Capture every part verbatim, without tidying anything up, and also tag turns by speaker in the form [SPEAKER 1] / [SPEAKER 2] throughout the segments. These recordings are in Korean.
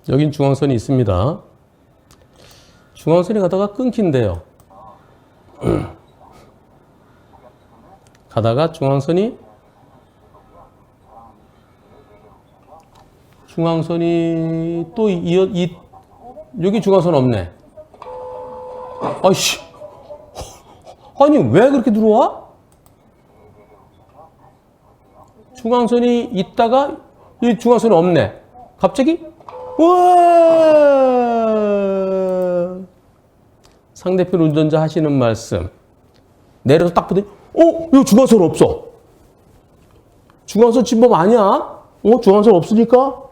[SPEAKER 1] 여긴 중앙선이 있습니다. 중앙선이 가다가 끊긴대요. 가다가 중앙선이 중앙선이 또 이어 이 여기 중앙선 없네. 아이씨. 아니 왜 그렇게 들어와? 중앙선이 있다가 이 중앙선이 없네. 갑자기 우와! 상대편 운전자 하시는 말씀. 내려서 딱 보더니 어? 이거 중앙선 없어. 중앙선 침범 아니야? 어? 중앙선 없으니까?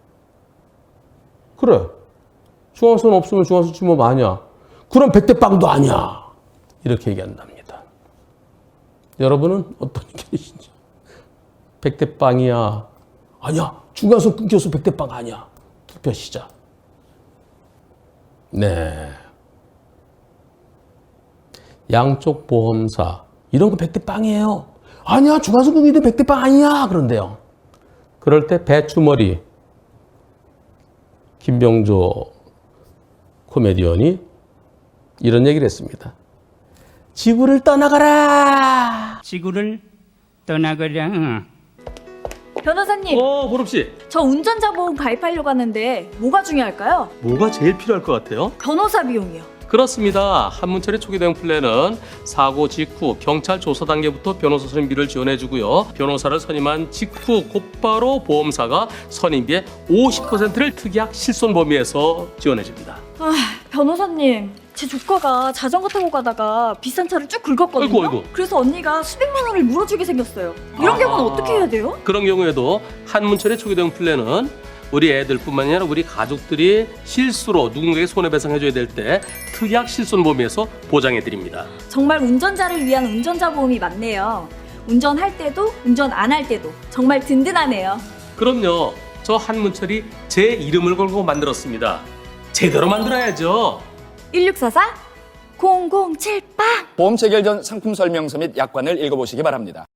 [SPEAKER 1] 그래. 중앙선 없으면 중앙선 침범 아니야. 그럼 백대빵도 아니야. 이렇게 얘기한답니다. 여러분은 어떤 의견이신지? 백대빵이야. 아니야. 중간선 끊겨서 백대빵 아니야. 투표 시작. 네. 양쪽 보험사. 이런 거 백대빵이에요. 아니야. 중간선 끊기는데 백대빵 아니야. 그런데요. 그럴 때 배추머리 김병조 코미디언이 이런 얘기를 했습니다. 지구를 떠나가라.
[SPEAKER 2] 지구를 떠나가라.
[SPEAKER 3] 변호사님,
[SPEAKER 1] 어, 보름씨.
[SPEAKER 3] 저 운전자 보험 가입하려고 하는데 뭐가 중요할까요?
[SPEAKER 1] 뭐가 제일 필요할 것 같아요?
[SPEAKER 3] 변호사 비용이요.
[SPEAKER 1] 그렇습니다. 한문철의 초기 대응 플랜은 사고 직후 경찰 조사 단계부터 변호사 선임비를 지원해주고요. 변호사를 선임한 직후 곧바로 보험사가 선임비의 오십 퍼센트를 특약 실손 범위에서 지원해줍니다.
[SPEAKER 3] 아, 변호사님, 제 조카가 자전거 타고 가다가 비싼 차를 쭉 긁었거든요.
[SPEAKER 1] 아이고, 아이고.
[SPEAKER 3] 그래서 언니가 수백만 원을 물어주게 생겼어요. 이런
[SPEAKER 1] 아.
[SPEAKER 3] 경우는 어떻게 해야 돼요?
[SPEAKER 1] 그런 경우에도 한문철의 초기 대응 플랜은 우리 애들뿐만 아니라 우리 가족들이 실수로 누군가에게 손해배상해줘야 될 때 특약 실손 범위에서 보장해드립니다.
[SPEAKER 3] 정말 운전자를 위한 운전자 보험이 맞네요. 운전할 때도 운전 안 할 때도 정말 든든하네요.
[SPEAKER 1] 그럼요. 저 한문철이 제 이름을 걸고 만들었습니다. 제대로 만들어야죠.
[SPEAKER 3] 일육사사 공공칠 빵
[SPEAKER 4] 보험 체결 전 상품 설명서 및 약관을 읽어보시기 바랍니다.